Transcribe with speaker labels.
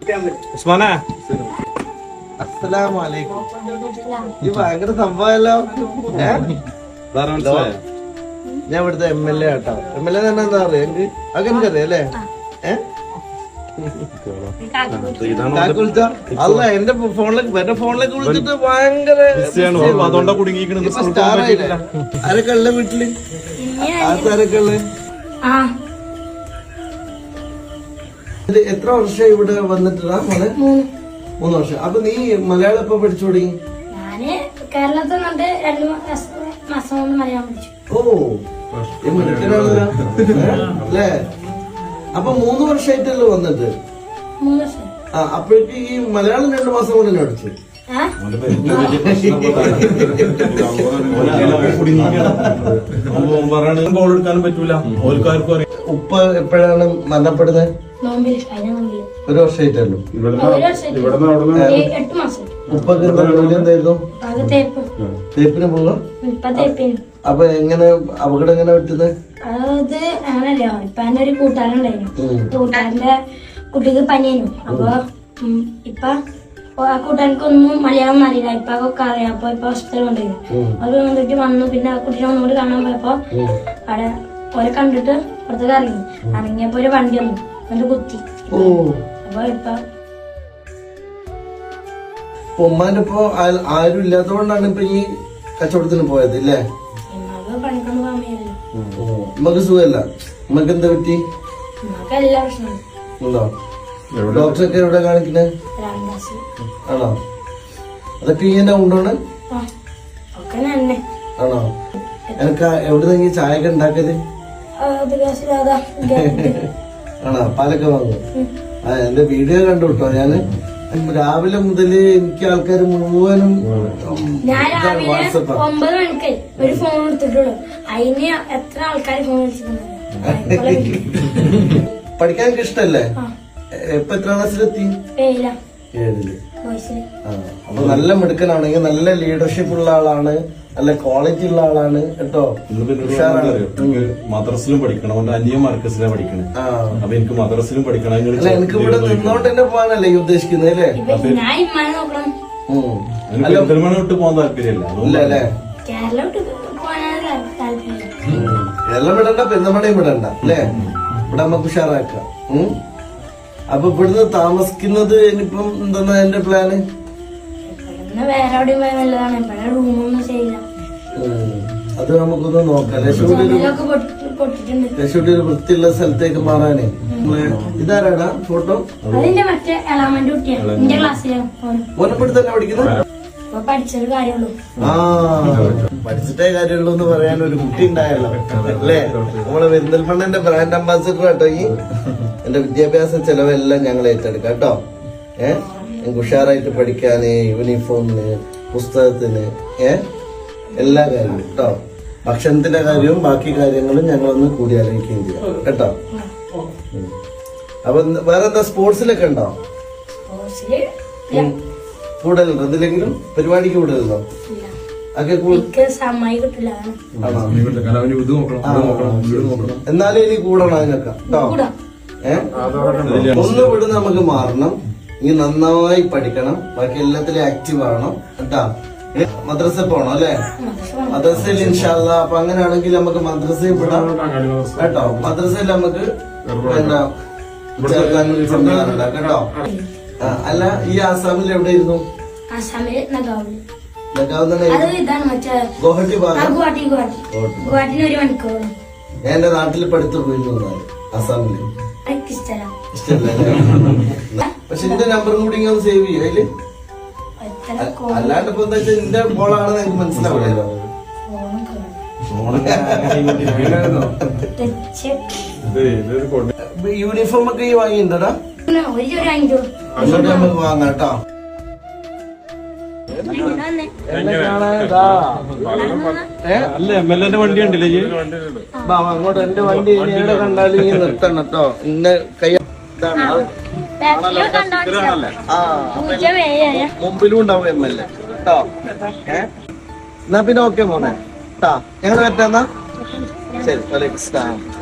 Speaker 1: അസ്സലാമലൈക്കും. ഈ ഭയങ്കര സംഭവമല്ലോ. ഞാൻ ഇവിടുത്തെ MLA ആട്ടോ. MLA തന്നെ എന്താ പറയാ എനിക്ക് അതൊക്കെ എനിക്കറിയാം അല്ലേ? അല്ല എന്റെ ഫോണിലേക്ക് വിളിച്ചിട്ട് ഭയങ്കര സ്റ്റാറായില്ലേ? ആരൊക്കെ ഉള്ള വീട്ടില്? ആൾക്കാരൊക്കെ ഉള്ള? എത്ര വർഷം ഇവിടെ വന്നിട്ടാ മോനെ? 3 വർഷം. അപ്പൊ നീ മലയാളം എപ്പോ പഠിച്ചു തുടങ്ങി?
Speaker 2: കേരളത്തിൽ 2 മാസം കൊണ്ട് മലയാളം പഠിച്ചു.
Speaker 1: ഓ മിടുക്കനാണല്ലോ അല്ലേ? അപ്പൊ 3 വർഷമായിട്ടല്ലോ വന്നിട്ട്?
Speaker 2: 3 വർഷം.
Speaker 1: അപ്പോഴേക്ക് ഈ മലയാളം 2 മാസം കൊണ്ട് തന്നെ പഠിച്ചു. ഉപ്പ എപ്പോഴാണ് മരണപ്പെടുന്നത്? 1 വർഷമായിട്ടല്ലോ. ഉപ്പൊക്കെ ജോലി എന്തായിരുന്നു? തേപ്പിന് പോകാം. അപ്പൊ എങ്ങനെ അപകടം എങ്ങനെ പറ്റുന്നത്?
Speaker 2: അത് അങ്ങനല്ലോ. ഇപ്പൊ എന്റെ ഒരു കൂട്ടുകാരുണ്ടായിരുന്നു. കൂട്ടുകാരന്റെ കുട്ടിക്ക് പനിയായിരുന്നു. അപ്പൊ ഇപ്പൊ ആ കൂട്ടുകാർക്കൊന്നും മലയാളം അറിയില്ല. ഇപ്പൊ ഒക്കെ അറിയാം. അപ്പൊ ഇപ്പൊ ഹോസ്പിറ്റലിൽ കൊണ്ടുപോയി. അത് വന്നിട്ട് വന്നു. പിന്നെ ആ കുട്ടീനെ ഒന്നുകൂടി കാണാൻ പോയപ്പോ അവിടെ ഓരെ കണ്ടിട്ട് പുറത്തേക്ക് ഇറങ്ങിയപ്പോ ഒരു വണ്ടി വന്നു. എന്നിട്ട് കുത്തി. അപ്പൊ ഇപ്പൊ
Speaker 1: ഉമ്മാന്റെ ഇപ്പൊ ആരും ഇല്ലാത്തതുകൊണ്ടാണ് ഇപ്പൊ ഈ കച്ചവടത്തിന് പോയത് ഇല്ലേ?
Speaker 2: പണിക്കൊന്നും പോകാൻ വയ്യല്ലോ.
Speaker 1: ഉമ്മക്ക് സുഖമല്ല? ഉമ്മക്ക് എന്താ പറ്റി?
Speaker 2: എല്ലാ പ്രശ്നവും
Speaker 1: ഉണ്ടോ? ഡോക്ടറൊക്കെ എവിടെ കാണിക്കുന്നത്? ആണോ? അതൊക്കെ ഇങ്ങനെ ഉണ്ടോണ്? ആണോ? എനിക്ക് എവിടെ നിന്ന് ചായ ഒക്കെ ഉണ്ടാക്കിയത്? ആണോ? പാലൊക്കെ വാങ്ങും. എന്റെ വീഡിയോ കണ്ടു കേട്ടോ. ഞാന് രാവിലെ മുതല് എനിക്ക് ആൾക്കാർ മുഴുവനും
Speaker 2: വാട്സപ്പ് 9 മണിക്ക് ഒരു ഫോൺ എടുത്തിട്ടുള്ളൂ. അതിന് എത്ര ആൾക്കാർ ഫോൺ വിളിച്ചിട്ടുണ്ട്.
Speaker 1: പഠിക്കാൻ ഇഷ്ടല്ലേ? ഇപ്പൊ എത്ര ക്ലാസ്സിലെത്തി? 7ല്. അപ്പൊ നല്ല മിടുക്കനാണെങ്കിൽ നല്ല ലീഡർഷിപ്പ് ഉള്ള ആളാണ്, നല്ല ക്വാളിറ്റി ഉള്ള ആളാണ് കേട്ടോ.
Speaker 3: മദ്രസിലും പഠിക്കണം. അവന്റെ അന്യ മർക്കസിലാണ് പഠിക്കണേ. അപ്പൊ എനിക്ക് മദ്രസിലും പഠിക്കണം.
Speaker 1: എനിക്ക് ഇവിടെ നിന്നോണ്ട് തന്നെ പോകാനല്ലേ ഈ ഉദ്ദേശിക്കുന്നത് അല്ലേ?
Speaker 3: പെരുന്തൽമണ്ണ വിട്ട് പോകാൻ താല്പര്യമില്ല
Speaker 1: അല്ലേ? കേരളം വിടണ്ട, പെരുന്തൽമണ്ണയും വിടണ്ട അല്ലേ? ഇവിടെ നമുക്ക് ഉഷാറാക്കാം. അപ്പൊ ഇവിടുന്ന് താമസിക്കുന്നത് ഇനിയിപ്പം എന്താ എന്റെ പ്ലാന്?
Speaker 2: വേറെ എവിടെയും പോയാൽ നല്ലതാണ്. ഇവിടെ റൂമൊന്നും ശരിയില്ല.
Speaker 1: അത് നമുക്കൊന്ന് നോക്കാം. ലക്ഷ്മിയുടെ ഒരു വൃത്തിയുള്ള സ്ഥലത്തേക്ക് മാറാനേ. ഇതാരാടാ ഫോട്ടോ?
Speaker 2: അതിന്റെ മറ്റേ എളാമന്റെ കുട്ടിയാണ്. എന്റെ ക്ലാസ്സിലാണ്.
Speaker 1: ഓനപ്പെടുത്ത് തന്നെ പഠിക്കുന്നത്?
Speaker 2: പഠിച്ചൊരു കാര്യമുള്ളൂ.
Speaker 1: പഠിച്ചിട്ടേ കാര്യമുള്ളൂ എന്ന് പറയാൻ ഒരു കുട്ടി ഉണ്ടായല്ലോ അല്ലേ? നമ്മളെ പെരിന്തൽമണ്ണന്റെ ബ്രാൻഡ് അംബാസിഡർ കേട്ടോ. ഈ എന്റെ വിദ്യാഭ്യാസ ചെലവെല്ലാം ഞങ്ങൾ ഏറ്റെടുക്കാം കേട്ടോ. ഞങ്ങൾക്ക് ഉഷാറായിട്ട് പഠിക്കാന്, യൂണിഫോമിന്, പുസ്തകത്തിന്, എല്ലാ കാര്യവും കേട്ടോ. ഭക്ഷണത്തിന്റെ കാര്യവും ബാക്കി കാര്യങ്ങളും ഞങ്ങളൊന്ന് കൂടി ആലോചിക്കുകയും ചെയ്യാം കേട്ടോ. അപ്പൊ വേറെന്താ സ്പോർട്സിലൊക്കെ ഉണ്ടോ? കൂടുതലുണ്ടോ? എന്തിലെങ്കിലും പരിപാടിക്ക് കൂടുതലുണ്ടോ? എന്നാലും ഇനി കൂടണം അതിനൊക്കെ കേട്ടോ. ഒന്ന് വിടുന്ന നമുക്ക് മാറണം. ഇനി നന്നായി പഠിക്കണം. ബാക്കി എല്ലാത്തിലും ആക്റ്റീവ് ആവണം കേട്ടാ. മദ്രസ പോണം അല്ലെ? മദ്രസയിൽ ഇൻഷാല്ല. അപ്പൊ അങ്ങനെയാണെങ്കിൽ നമുക്ക് മദ്രസയിൽ വിടാം കേട്ടോ. മദ്രസയിൽ നമുക്ക് എന്താ ചേർക്കാനൊരു സംവിധാനം ഉണ്ടാക്കാം കേട്ടോ. അല്ല ഈ ആസാമിൽ എവിടെയിരുന്നു? ഗുവാഹട്ടി ഭാഗം. ഞാൻ എന്റെ നാട്ടിൽ പഠിത്തു പോയിരുന്നു ആസാമില്. പക്ഷെ എന്റെ നമ്പറും കൂടി ഇങ്ങനെ സേവ് ചെയ്യും അതില്. അല്ലാണ്ട് ഇപ്പൊ എന്താ വെച്ചാൽ എന്റെ ബോളാണെന്ന് എനിക്ക് മനസ്സിലാവില്ലല്ലോ. യൂണിഫോം ഒക്കെ ഈ വാങ്ങിയിട്ടുണ്ടടാ? നമുക്ക് വാങ്ങാം കേട്ടോ.
Speaker 3: അല്ല MLA വണ്ടി ഉണ്ടല്ലേ?
Speaker 1: അങ്ങോട്ട് എന്റെ വണ്ടി എവിടെ കണ്ടാലും ഈ നിർത്തണം കേട്ടോ. ഇന്ന കൈ മുമ്പിലും ഉണ്ടാവും MLA കേട്ടോ. എന്നാ പിന്നെ ഓക്കെ മോനെ കേട്ടാ. ഞങ്ങൾ പറ്റാന്നാ ശരി. വലൈക്കും സ്ലാം.